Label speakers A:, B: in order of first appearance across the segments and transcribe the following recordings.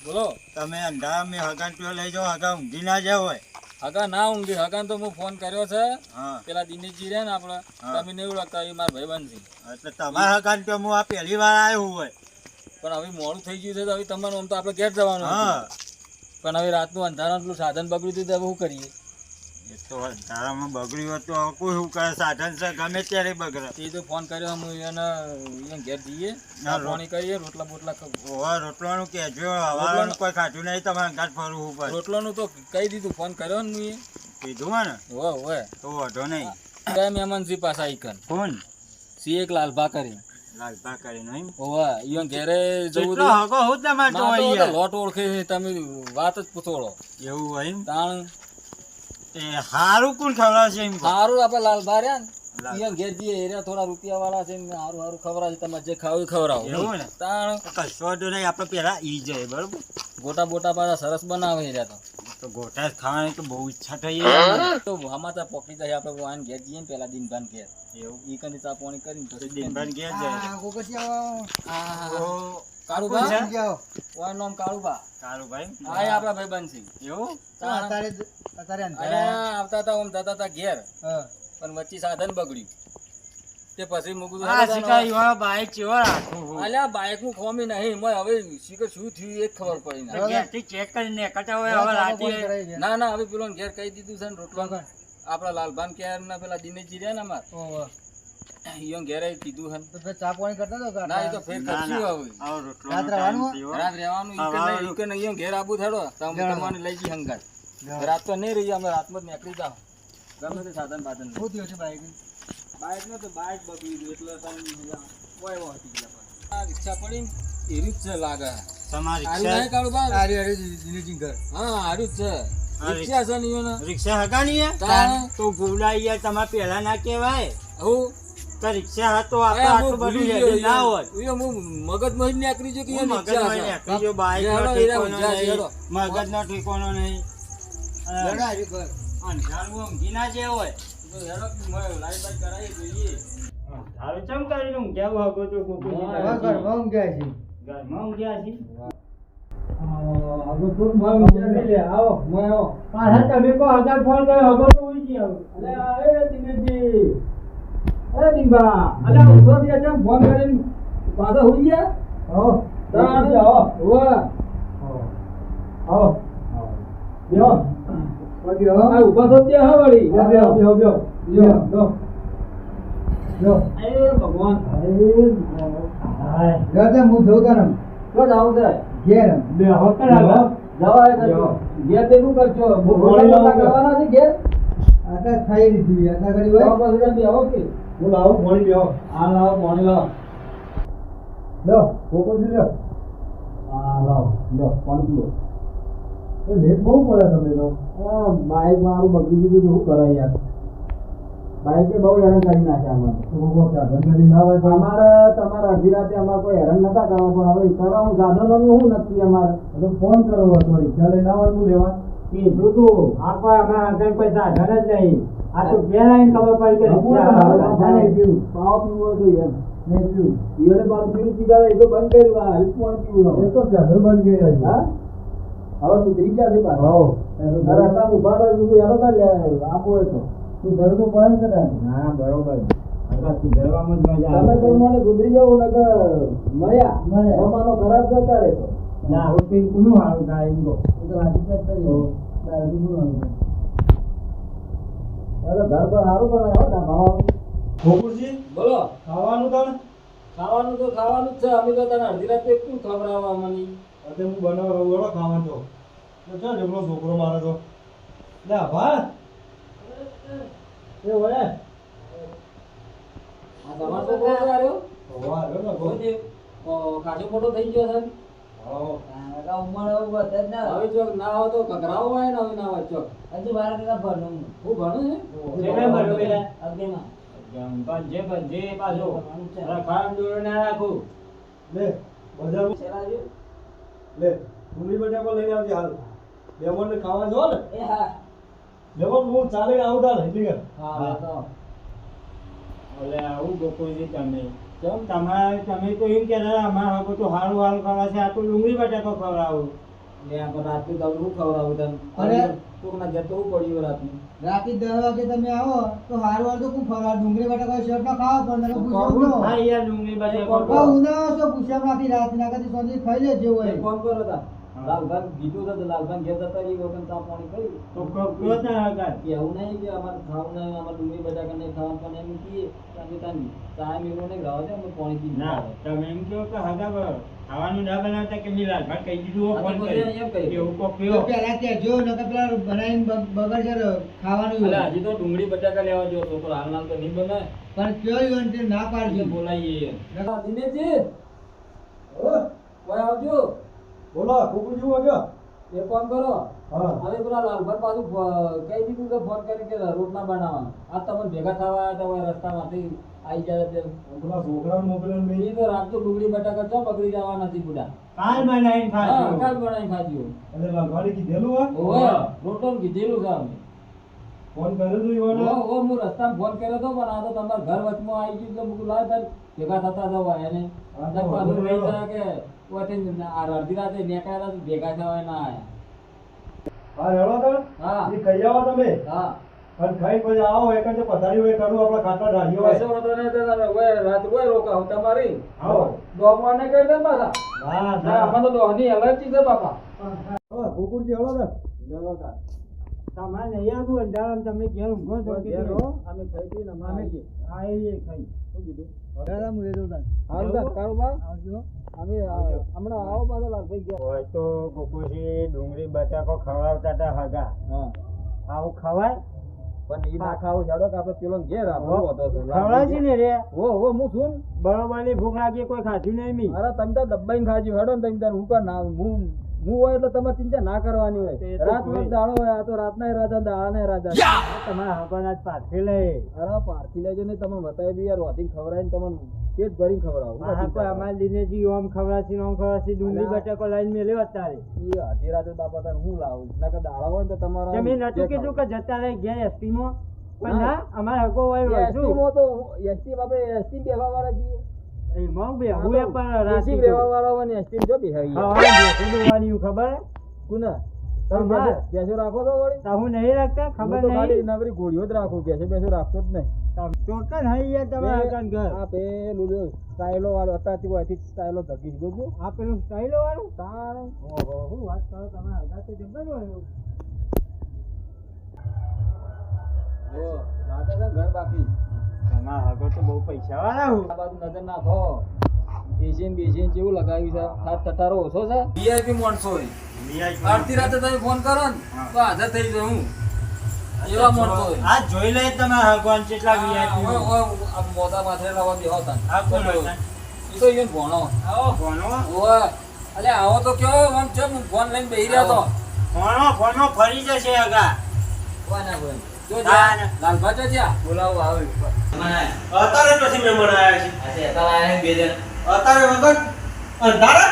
A: બોલો.
B: તમે અંધારા મેં હગાન પીઓ લઈ જાઓ, હગા ઊંઘી ના જાય હોય.
A: હગા ના ઊંઘી, હગાન તો હું ફોન કર્યો છે.
B: હા
A: પેલા દિનેશજી રહ્યા ને આપડે, તમે નહીં ઓળખતા, એ મારા ભાઈબંધ છે.
B: એટલે તમારા હગાન પીઓ હું આ પહેલી વાર આવ્યો હોય.
A: પણ હવે મોડું થઈ ગયું છે તો હવે તમારું આમ તો આપણે ઘેર જવાનું હતું.
B: હા
A: પણ હવે રાતનું અંધારાનું પેલું સાધન બગડ્યું હતું તો હવે શું કરીએ?
B: એ તો અંધારામાં બગડ્યું હતું, હવે કોઈ શું કરે, સાધન છે ગમે ત્યારે બગડે.
A: એ તો ફોન કર્યો હું એને ઘેર જઈએ, પાણી કરીએ, રોટલા બોટલા
B: ઓવા રોટલાનું કહેજો, હવારનું કોઈ ખાધું નહીં, તમારે ઘાટ ફરવું પડે.
A: રોટલાનું તો કહી દીધું, ફોન કર્યો ને હું
B: કીધું હોય ને
A: હોય
B: તો વાંધો નહીં.
A: કયા મહેમાન છે પાછા ઈકન
B: કોણ?
A: સી એક લાલભા કરી
B: લાલભા કરીને એમ?
A: ઓવા ઈયોન ઘેરે જવું
B: કેટલો હગો હું તમારે તો
A: તો
B: અહીંયા.
A: લોટ ઓળખે છે, તમે વાત જ પૂછોળો
B: એવું હોય એમ?
A: તાણ
B: એ હારું કોણ ખવડાવશે એમ કહો?
A: સારું આપણે લાલભા રહ્યા ને ઈયોન ઘેર જઈએ, એરિયા થોડા રૂપિયા વાળા છે ને સારું સારું ખવડાવશે, તમારે જે ખાવું એ ખવડાવો.
B: એવું ને?
A: તાણ
B: કશો વાંધો નહીં, આપણે પેલા ઈ જાય બરોબર.
A: ગોટા બોટા પાછા સરસ બનાવે એરિયા
B: તો ગોટા ખાવાની તો બહુ ઈચ્છા થઈ
A: તો હમાતા પોકી જાય, આપણે વાન ઘેર જઈએ ને પેલા દિનભાન ઘેર
B: એવું
A: ઈ કંઈ ચા પાણી કરીને તો
B: દિનભાન ઘેર જાય.
A: કાળુભા
B: છે?
A: ઓનું નામ કાળુભા.
B: કાળુભાઈ?
A: હા એ આપણા ભાઈબંધ છે.
B: એવું?
A: અરે આવતા હતા ઓમ જતા હતા ઘેર, પણ વચ્ચે સાધન બગડ્યું તે પછી મૂકું
B: આ શિકારી વાળો બાઈક ચેવો રાખું હું.
A: અલ્યા બાઇક નું ખોમી નહીં, મને હવે શીખર શું થયું એ જ ખબર પડી
B: તો
A: ના.
B: ઘેરથી ચેક કરીને નીકળતા હોય હવે રાતે.
A: ના ના હવે પેલો ઘેર કહી દીધું છે ને રોટલા આપડા લાલભાન ક્યાર ના પેલા દિનેશજી રહ્યા ને અમાર ઈયો ઘેરે કીધું છે ચા પાણી કરતા ના એ તો ફેર કરશું હવે
B: આવો રોટલાનો ટાઈમ થયો.
A: રાત રહેવાનું ઈકે ને ઈયો ઘેર આબુ થડો તમને લઈ જઈ હંગાત રાત તો નહીં રહી, અમે રાતમાં જ નીકળી જાવ ગમે તે સાધન બાધન શું થયું છે બાઈક ને તો બાઈક બગડી ગયું એટલે તમે ઓય વો હતી ગયા આ રિક્ષા પડી એરી જ છે લાગે
B: તમારી
A: આરી નહીં કાળું બા આરી દિનેશજી ઘર હા આરી જ છે રિક્ષા છે ને ઈયો
B: રિક્ષા હગાની હે? તો ભૂલાઈ યાર, તમારે પહેલા ના કહેવાય.
A: હું
B: તો રિક્ષા હતો આપણે આટલું બધું રેડી ના હોત.
A: મગજમાં જ નીકળી ગયો કે
B: હું મગજમાં નીકળી ગયો, બાઈકનો ઠેકાણો નહીં, મગજનો ઠેકાણો નહીં. અંધારું ઊંઘી ના જાય હોય. અંધારું ચમ કરીને ઊંઘ્યા હગો તો ઘરમાં ઊંઘ્યા છીએ. તમે કહો હજાર ફોન કર્યો હગો તો ઉઈ ગયા.
A: ફોન કરીને પાછા હોઈ ગયા ઉભા તો ત્યાં વળી ભગવાન હું જોઉં તો આવું છે ઘેર જવાય ઘેર તે શું કરશો કરવાના છે ઘેર ખાઈ લીધી ઓકે હું લાવું પાણી લ્યો. હા લાવો પાણી લાવો લો કોકો લ્યો. હા લાવો લો પાણી પીવો. લેટ બહુ પડે તમે તો. બાઈક મારું બગડી દીધું શું કરે યાર, બાઈકે બહુ હેરાન કરી નાખ્યા અમારે તમારે અડધી રાતે અમારે કોઈ હેરાન નતા કરવા, પણ હવે કરવાનું સાધનોનું શું નક્કી અમારે ફોન કરો હતો રિક્ષા લઈને આવવાનું લેવા કીધું તું આપણે અમે કોઈ સાધન જ નહીં. આ તો ઘેર આવીને ખબર પડી કે પાવ પીવો જોઈએ એમ નહીં પીવું ઈઓને પાછું પીવું કીધા એ તો બંધ કર્યું. આ પણ પીવું એ તો સાધન બંધ કર્યા. હા હવે સુધરી ગયા છે પાછા ઉભા આપો એ તો તું ઘરનું પડે છે. હા બરોબર સુધરવામાં જ મજા આવે. તમે મને સુધરી જવું ને મળ્યા અમારો ખરાબ જતા રહેતો ના હવે કઈ કોનું સારું થાય એમ તો ઘર પર સારું બનાવે. બોલો ખાવાનું તો ખાવાનું જ છે. અમે તો તને અડધી રાતે શું ખવડાવવા મને હું બનાવવા ખાવાનું તો ચાલ એમનો છોકરો મારે તો લે ભા એ વળે આ તમારો છોકરો આવ્યો કાચો મોટો થઈ ગયો છે. હવે ચોક ના હોય તો કકરાવો હોય ને હવે ના હોય ચોક હજુ બાર ટકા ભણું હું ભણું છે પાછો ખાવાનું દોડ ના રાખું લે બધા લે ડુંગળી બટાકો લઈને આવજે હાલ લેમન ને ખાવા જો ને એ હા લેમન હું ચાલે આવું તાર હિલી કર હા તો ઓલે આવું ગોકોજી તમે કેમ તમે તો એમ કહેતા અમાર હવે તો હારું ખાવા છે, આ તો ડુંગળી બટાકો ખવડાવું લે આ પણ રાતનું તમને હું ખવડાવું તને
C: અરે
A: કોકના ઘેર તો હું પડ્યું રાતનું
C: રાતે 10 વાગે તમે આવો તો હારું વાર તો કોણ ખવડાવે ડુંગળી બટાકા શેપ ના ખાવા પણ નકર
A: કોણ
C: પૂછ્યો
B: હા યાર ડુંગળી બટાકા
C: તો ઉના તો પૂછ્યા રાખી રાત ના કદી સોજી ખાઈ લે જેવું હોય
A: ફોન કરો તા લાલભાઈ કીધું તો લાલભાઈ ઘેર જતા રહી વખત ચા પાણી કરી
B: તો કહો ના હગા
A: કે એવું નહીં કે અમારે ખાવું નહીં અમારે ડુંગળી બટાકા નહીં ખાવાનું પણ એમ કહીએ તમે તાની ચા મેળો નહીં રાવ દે અમે પાણી પી
B: ના તમે એમ કહો કે હગા ખાવાનું ના બનાવતા કે મિલાલ ભાઈ કહી દીધું
A: હા,
B: ફોન
A: તો
B: કરી
A: એમ કહી.
B: એવું કોક
C: તો
B: કયો
C: પેલા ત્યાં જો નકર પેલા બનાવીને બગડ છે ખાવાનું
A: અલા
C: હોય.
A: હજી તો ડુંગળી બટાકા લેવા જો તો હાલ નાલ તો નહીં બને
C: પણ કયો ઈવન તે ના
A: એટલે
C: પાડજો
A: બોલાઈએ દિનેશજી કોઈ આવજો
D: બોલો કુકુજી વાગ્યો
A: એ ફોન કરો
D: હા
A: હવે પેલા લાલભાઈ પાછું કહી દીધું કે ફોન કરી કે રોટલા બનાવવા આ તમને ભેગા થવા આવ્યા હતા હોય રસ્તામાંથી આવી જાય તે
D: પેલા છોકરાને મોકલ્યો ને
A: એ તો રાખજો ડુંગળી બટાકા ચો બગડી જવા નથી બુડા
B: કાલ બનાવીને
A: હા
B: ખાજો
A: કાલ બનાવી ખાજો
D: એટલે લાલવાડી કીધેલું હોય
A: ઓવે રોટલો કીધેલું છે અમે
D: ફોન કર્યો તો ઈવોને
A: હું રસ્તામાં ફોન કર્યો તો પણ આ તો તમારા ઘર વચમાં આવી ગયું એટલે મૂકું લાવ તાર ભેગા થતા જવા એને
D: હા,
A: અંદર
D: તો
A: પાછું
D: વાંધો
A: રહી
D: નહીં.
A: જાય કે ઓથી આ અડધી રાતે નીકળ્યા તો ભેગા થવા ના આયા
D: હા હેલો તો
A: હા
D: એ કહી આવો તમે
A: હા
D: અને ખાઈ પછી આવો એક જ પથારી હોય કરું આપણા ખાટા ઢાળીઓ હોય
A: કશો વાંધો નહીં તો તમે ઓય રાત ઓય રોકાવ તમારી
D: આવો
A: ડોગવાને કહી દે પાછા
D: ના
A: ના
D: ના
A: આમાં તો ડોહની એલર્જી છે બાપા
D: હવે કુકુજી હેલો તો
A: જવા
B: તમારે નહીં આવતું અંધારામાં તમે ઘેર ઊંઘો છો કે
A: અમે ખાઈ પીને અમે
B: આવીએ ખાઈ
A: શું કીધું
C: દાદા હું એ દઉં તાન.
A: હારું તા કારુબા
C: આવજો
A: અમે હમણાં આવો પાછો લાલભાઈ ગયા
B: હોય તો ગોકુજી ડુંગળી બટાકો ખવડાવતા હતા હગા
A: હા
B: આવું ખવાય
A: પણ ઈ ના ખાવું જાડો કે આપણે પેલો ઘેર આપણો હતો છે
B: ખવડાવજી ને રે
A: હો હું છું ને.
B: બરોબરની ભૂખ લાગી કોઈ ખાધું નહીં મી
A: અરે તમે તો દબાઈને ખાજી હેડો ને તમે તાર હું કર ના હું હોય એટલે તમારે ચિંતા ના કરવાની
B: એ
A: હોય
B: તો
A: રાત
B: કોઈ.
A: દાડો હોય આ તો રાતના રાજા દાડાના રાજા
B: તમારા હગવાના જ પાછી લે
A: અરે પારખી લેજો ને તમે બતાવી દઉં યાર રોધી ખવડાવીને તમને પેટ ભરીને ખવડાવું
B: હા કોઈ અમારા દિનેશજી ઓમ ખવડાવશી ઓમ ખવડાવશી ડુંગળી
A: અલા.
B: બટાકો લાઈન મેલ્યો અત્યારે
A: ઈ અડધી રાતે બાપા તાર હું લાવું ના કે દાડા હોય ને તો તમારા
B: તમે નતું કીધું કે જતા રહે ગયા એસટી માં પણ ના અમારા હગો હોય
A: એસટી
B: વળશું.
A: માં તો એસટી આપણે એસટી બેહવા વાળા છીએ
B: એમાં બે હું એ પણ
A: એસટી
B: રાશી
A: બેહવા વાળા હોય ને એસટી જો બેહાવી
B: ખબર
A: કોને
B: તમારે.
A: તમે બેસો રાખો તો વળી
B: તો હું નહીં રાખતા
A: હું
B: ખબર
A: તો ખાલી
B: નહીં
A: નવરી ઘોડીઓ જ રાખું બેસો રાખતો જ નહીં
B: ચોક્કસ હઈ યાર તમે આગળ ઘર
A: આ પેલું જો સ્ટાઈલો વાળો અત્યારથી હોયથી સ્ટાઈલો ધકી દીધો છું
B: આ પેલું સ્ટાઈલો વાળું
A: તારે
B: ઓહો શું વાત કરો તમે આગળ તો જબર હોય
A: જો લાગે છે ઘર બાકી
B: તમારા આગળ તો બહુ પૈસા વાળા હું
A: આ બાજુ નજર નાખો એશિયન બેશિયન જેવું લગાવ્યું છે ખાસ ટટારો ઓછો છે વીઆઈપી માણસો હોય આરતી રાતે તમે ફોન કરો ને તો હાજર થઈ જાય હું એવા માણસો હોય
B: આ જોઈ લે તમારા ભગવાન કેટલા VIP
A: ઓય, ઓય, આ મોઢા માથે લાવવા બેહો તાન.
B: આ કોણ હતા?
A: ઈ તો ઈયોને ભણો
B: આવો ભણો
A: ઓય અલે આવો તો કેવો આમ છે હું ફોન લઈને બેહી રહ્યો તો
B: ભણો ફરી જશે આગા
A: ઓય ના બોલ જો
B: ના,
A: જા
B: ના.
A: લાલભા જો જા બોલાવો આવે
D: અત્યારે પછી મહેમાન આવ્યા છે અત્યારે વગર અંધારા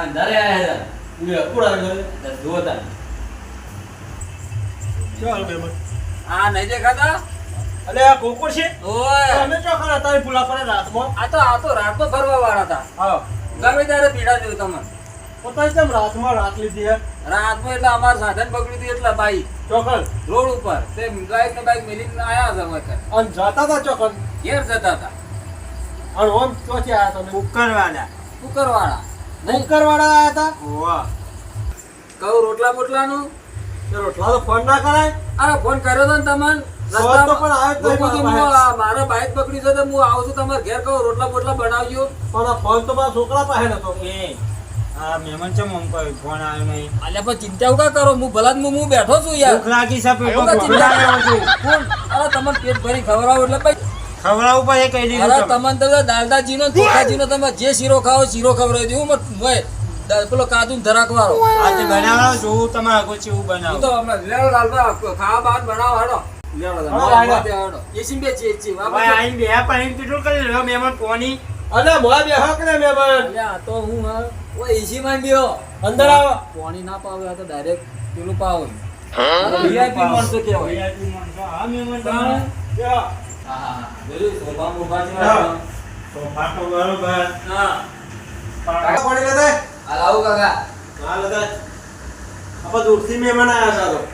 D: ચાલ મહેમાન
A: આ નહીં દેખાતા
D: અલે આ કુકુર છે
A: ઓય
D: તમે ચોખા અત્યારે ભૂલા પડે રાતમાં
A: આ તો રાતમાં ફરવા વાળા હતા
D: હા
A: ગમે ત્યારે પીડા જોયું તમને
D: પોતાની કેમ રાતમાં રાત લીધી હે
A: રાતમાં એટલે અમારું સાધન બગડ્યું હતું એટલે બાઈક
D: ચોખલ
A: રોડ ઉપર તે બાઈક ને બાઈક મેલીને આયા છે વખત
D: અને જતા હતા ચોખલ
A: ઘેર જતા હતા
D: અને ઓમ ચોથી આયા તમે
B: કુકરવાળા
A: કુકરવાળા નહીં
D: કુકરવાળા આયા હતા
B: ઓવા
A: કહું રોટલા બોટલાનું
D: તે રોટલા તો ફોન ના કરાય
A: અરે ફોન કર્યો હતો ને તમને
D: ફોન તો પણ આવ્યો જ નહીં
A: લોકો કીધું,
D: મારા
A: હું મારે બાઈક પકડ્યું છે તો હું આવું છું તમારે ઘેર કહું રોટલા બોટલા બનાવજો
D: પણ આ ફોન તો મારા છોકરા પાસે નતો
B: એ આ મહેમાન છે મમ કોઈ ફોન આવ્યો નહીં
A: અલ્યા પણ ચિંતા ઉકા કરો હું ભલા હું બેઠો છું યાર
B: ભૂખ લાગી છે
A: હું કાં ચિંતા કરો છું કોણ અરે તમને પેટ ભરી ખવડાવો એટલે ભાઈ
B: ખવડાવું પણ એ કહી દીધું
A: અરે
B: તમે.
A: તમને તો દાલદાજીનો ચોખાજીનો તમે જે શીરો ખાઓ શીરો ખવડાવી દઉં પેલો કાજુ ધરાક વાળો
B: આજે બનાવવાનો જોવું તમારે આગળ ચેવું
A: હું
B: બનાવો
A: તો હમણાં લેડો લાલભા ખાવા બાદ બનાવો હેડો લેડો હેડો એસી બે ચી
B: ભાઈ આઈને બે પાણી કેટલું કરી લ્યો મહેમાન કોની
D: અને મોય બે હક ને મહેમાન
A: અલ્યા તો હું હા ઓ એસી માં બેહો
D: અંદર આવો
A: પાણી ના પાવે આ તો ડાયરેક્ટ પેલું પાવે વીઆઈપી માણસો કહેવાય
B: VIP માણસો. હા મહેમાન
A: તાણે?
D: બે
A: હા હા જોયું સોફા મોફા છે
D: હા.
B: સોફા તો બરોબર
A: હા
D: કાકા પાણી લેતા
A: આ લાવું કાકા
D: હા લેતા આપણે દૂરથી મહેમાન આવ્યા છે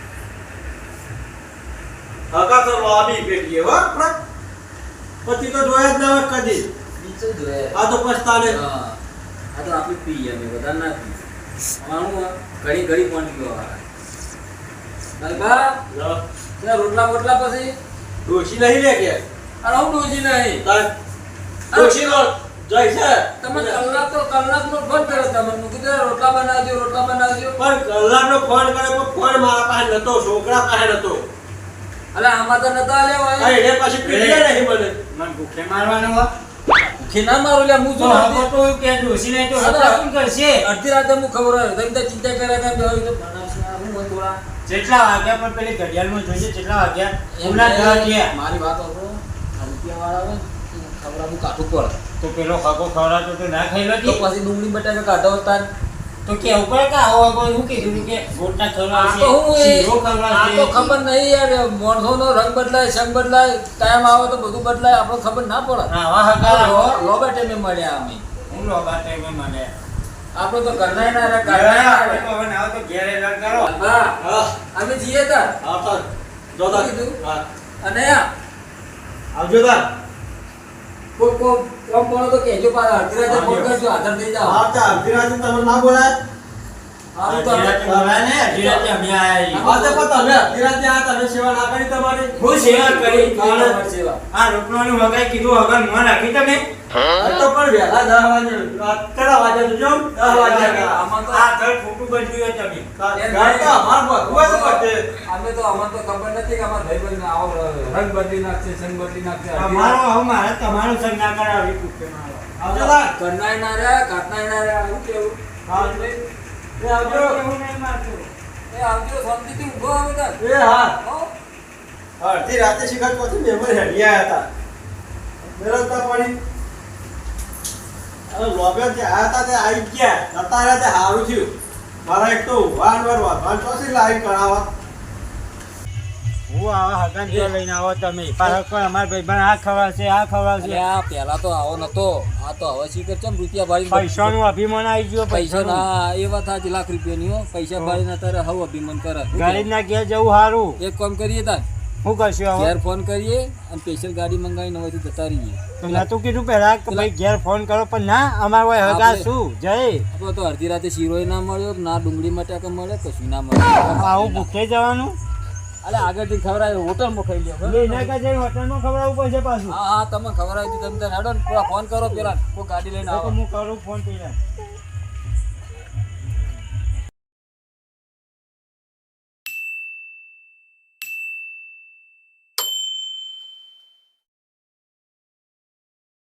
D: તો હકા તો લોબી પેટીએ હો આપણે પછી તો જોયા જ ના હોય કદી
A: નીચે જોઈએ
D: આ તો પછતાને
A: હા આ તો આપી પીએ અમે બધા ના પી અમારું ઘડી ઘડી પહોંચી ગયો લાલબા ત્યાં રોટલા બોટલા પછી
D: ડોશી નહીં લે કે
A: અરે હું ડોજી નહીં
D: ડોશી નો જય છે
A: તમે કલાક નો ફોન કર્યો તમે હું કીધું રોટલા બનાવજો
D: પણ કલાકનો ફોન કર્યો પણ ફોન મારા પાસે નતો છોકરા પાસે નતો
A: અલે આમાં તો નતા લે
D: આ
A: હોય
D: એને પાછી પીડીએ નહીં મને
B: મને ભૂખે મારવાનો હો
A: કે ના મારું લે હું જો
B: તો હવે તો કે ડોસી નહીં તો હત્યા કોણ કરશે
A: અડધી રાતે હું ખબર હોય તમે તો ચિંતા કર્યા કેમ બેહો તો બનાવશે હું હોય થોડા
B: જેટલા વાગ્યા પણ પેલી ઘડિયાળમાં જોઈએ કેટલા વાગ્યા એમના 10 થયા
A: મારી વાત હતો આ રૂપિયા વાળા આવે ખબર હું કાઠું પડે
B: તો પેલો ખાકો ખવડાવતો તો ના ખાઈ લો
A: તો પછી ડુંગળી બટાકા કાઢો હતા
B: તો કે ઉપર કા આવો કોઈ હું કીધું કે ગોટા ખવડાવશે
A: તો હું
B: શીરો
A: આ
B: ખવડાવશે
A: તો ખબર નહીં યાર મોણસોનો રંગ બદલાય સંગ બદલાય ટાઈમ આવે તો બધું બદલાય આપણને ખબર ના પડે
B: આવા હકા
A: લોબા ટાઈમે મળ્યા અમે
B: હું લોબા ટાઈમે મને
A: આપણે તો કરનાય ના રે
B: ઘરે
A: કરનાય
B: આપણે તો હવે ના તો ઘેર એલાન કરો
A: હા
D: હા
A: અમે જઈએ તા
D: આવતા જોતા
A: કીધું?
D: હા
A: અને
D: આવજો તા
A: કોમ કોણ તો કેજો પાછા અડધી રાતે ફોન કરજો હાજર થઈ જાઓ
D: હા તા અભિરાજ તમે ના બોલાય
A: હારું તો અમે
B: બોલાય ને ધીરાજે અમે આયા
D: હા તો પણ તમે અભિરાજ આ તમે સેવા ના કરી તમારી
B: હું સેવા કરી
A: અમારી સેવા
B: આ રોટલાનું વગાઈ કીધું વગર મોં રાખી તમે
D: આ તો પણ વહેલા 10 વાગે કેટલા વાગે તો જો 10 વાગે
A: આમાં તો
B: આ ઘર ખોટું બદલ્યું તમે
D: ગાડી તો અમાર બધું જ પડે
A: અમે તો અમને તો ખબર નથી કે અમારા ભાઈબંધ આવો રંગ બદલી નાખશે સંગ બદલી નાખશે
B: તમારો હવે મારે તમારું સંગ ના કરાવી કુકે મારો
D: આવજો તા
A: કરનાય ના રે કાટનાય ના રે આવું કેવું
D: હા એ આવજો
B: હું નહીં મારતો
A: એ આવજો શાંતિથી ઊભો આવે તાર
D: એ હા
A: હો
D: અડધી રાતે શિકાર પછી મહેમાન હેડિયા હતા મેરવતા પડી અરે લોબે જે આયા હતા તે આવી ગયા અત્યારે તે સારું થયું મારા એક તો વાન ચોસી લાઈન કરાવવા
B: હું આવા હગન જો લઈને આવો તમે પાછો કોઈ અમાર ભાઈબંધ આ ખવડાવશે આ ખવડાવશે
A: અરે આ પહેલા તો આવો નતો આ તો હવે શીખર ચમ રૂપિયા ભાડી
B: પૈસાનું અભિમાન આવી ગયો
A: પૈસા
B: પૈસાનું
A: ના એ વાત સાચી લાખ રૂપિયાની હો પૈસા ભાડી તારે હવે અભિમાન કરે
B: ગરીબના ઘેર જવું સારું
A: એક કામ કરીએ તાર
B: શું કરશું હવે
A: ઘેર ફોન કરીએ અને સ્પેશિયલ ગાડી મંગાવીને હવેથી જતા રહીએ
B: તો નતું કીધું પહેલા કે ભાઈ ઘેર ફોન કરો પણ ના અમાર હોય હગા શું જય
A: આપણે તો અડધી રાતે શીરોય ના મળ્યો ના ડુંગળી બટાકા મળે કશું ના મળે
B: આવું ભૂખે જવાનું
A: અલે આગળથી ખવડાવે હોટલમાં ખાઈ લ્યો બરાબર?
B: એના કરતા હોટલમાં ખવડાવવું પડશે પાછું
A: હા હા તમે ખવડાવી દીધું તમે તાર હેડો ને પેલા ફોન કરો પેલા કોઈ ગાડી લઈને
B: તો
A: આવો
B: હું કરું ફોન પેલા